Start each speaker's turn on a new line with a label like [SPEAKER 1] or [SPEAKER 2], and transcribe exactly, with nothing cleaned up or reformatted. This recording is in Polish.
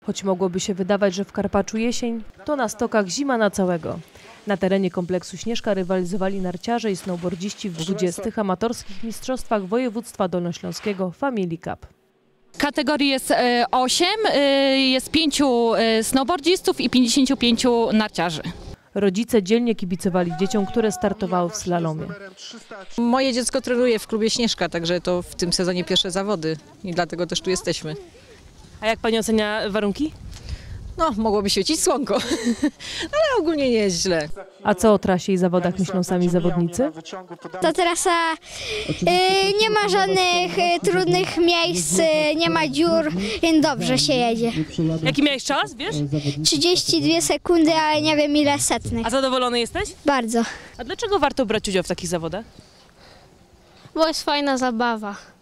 [SPEAKER 1] Choć mogłoby się wydawać, że w Karpaczu jesień, to na stokach zima na całego. Na terenie kompleksu Śnieżka rywalizowali narciarze i snowboardziści w dwudziestych amatorskich mistrzostwach województwa dolnośląskiego Family Cup.
[SPEAKER 2] Kategorii jest osiem, jest pięciu snowboardzistów i pięćdziesięciu pięciu narciarzy.
[SPEAKER 1] Rodzice dzielnie kibicowali dzieciom, które startowały w slalomie.
[SPEAKER 3] Moje dziecko trenuje w klubie Śnieżka, także to w tym sezonie pierwsze zawody i dlatego też tu jesteśmy.
[SPEAKER 1] A jak pani ocenia warunki?
[SPEAKER 3] No, mogłoby świecić słonko, ale ogólnie nie jest źle.
[SPEAKER 1] A co o trasie i zawodach myślą sami zawodnicy?
[SPEAKER 4] Ta trasa y, nie ma żadnych y, trudnych miejsc, y, nie ma dziur, więc dobrze się jedzie.
[SPEAKER 1] Jaki miałeś czas, wiesz?
[SPEAKER 4] trzydzieści dwie sekundy, ale nie wiem ile setnych.
[SPEAKER 1] A zadowolony jesteś?
[SPEAKER 4] Bardzo.
[SPEAKER 1] A dlaczego warto brać udział w takich zawodach?
[SPEAKER 4] Bo jest fajna zabawa.